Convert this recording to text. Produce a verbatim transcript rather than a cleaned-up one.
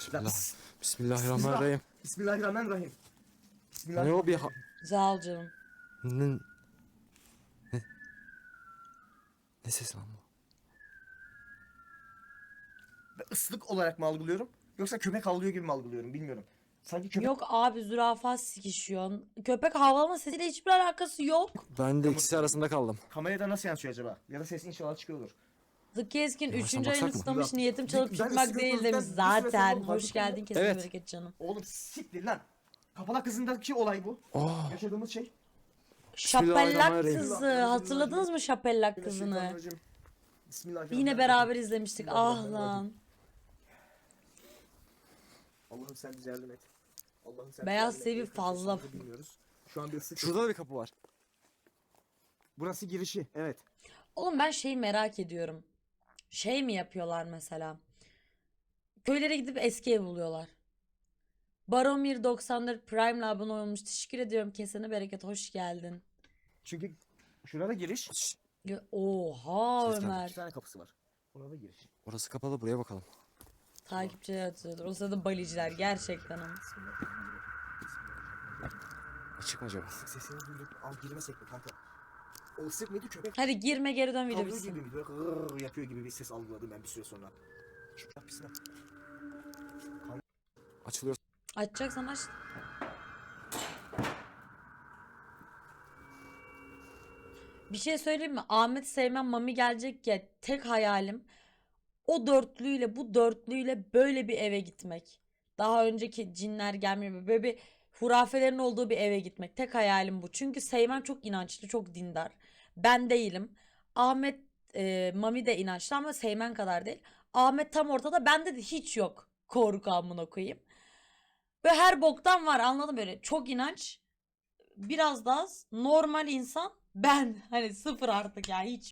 Bismillah. Bismillahirrahmanirrahim. Bismillahirrahmanirrahim. Ne o bir ha... Sağ ol canım. Ne... Ne... Ne sesi lan bu? Ben ıslık olarak mı algılıyorum? Yoksa köpek havlıyor gibi mi algılıyorum bilmiyorum. Sanki köpek... Yok abi, zürafa sikişiyor. Köpek havlama sesiyle hiçbir alakası yok. Ben de ikisi arasında kaldım. Kamerada nasıl yansıyor acaba? Ya da ses inşallah çıkıyordur. The Keskin Yavaştan üçüncü ayını baksak mı? ıslamış, niyetim çalıp Ben çıkmak ıslık değil konusunda demiş bir süre zaten. sonra Hoş fark geldin, kesin Evet. bereket canım. Oğlum siktir lan. Kapalak kızındaki olay bu. Oh. Yaşadığımız şey. Şapellak Bismillahirrahmanirrahim. kızı. Hatırladınız mı Şapellak kızını? Bismillahirrahmanirrahim. Bismillahirrahmanirrahim. Yine beraber izlemiştik. Ah lan. Allah'ım sen bize yardım et. Allah'ım sen Beyaz bize yardım et. sevi fazla. Sesimizi bilmiyoruz. Şu an bir ıslık. Şurada da bir kapı var. Burası girişi. Evet. Oğlum ben şeyi merak ediyorum. Şey mi yapıyorlar mesela? Köylere gidip eski ev buluyorlar. Baromir doksan dört Prime'la abone olmuş. Teşekkür ediyorum. Kesene bereket. Hoş geldin. Çünkü şurada giriş. Şşş, Ya- Oha Ses geldi. Ömer. İki tane kapısı var. Orada giriş. orası kapalı, buraya bakalım. Takipçiler atıyordur. O sırada baliciler gerçekten ama. Açık mı acaba? Islık sesini duyduk. Al girmesek mi kanka? O ıslık mıydı köpek? Hadi girme, geri dön, video Havlıyor gibi bitsin. miydi? Böyle gırrrr yapıyor gibi bir ses algıladım ben bir süre sonra. Şu kapısına. Açılıyor. Açacaksan aç. Bir şey söyleyeyim mi? Ahmet Seymen Mami gelecek ya, tek hayalim o dörtlüyle bu dörtlüyle böyle bir eve gitmek. Daha önceki cinler gelmiyor. Böyle bir hurafelerin olduğu bir eve gitmek. Tek hayalim bu. Çünkü Seymen çok inançlı, çok dindar. Ben değilim. Ahmet e, Mami de inançlı ama Seymen kadar değil. Ahmet tam ortada. Bende de hiç yok korku, amına koyayım. Ve her boktan var, anladın mı? Böyle çok inanç, biraz daha az, normal insan, ben hani sıfır artık ya, hiç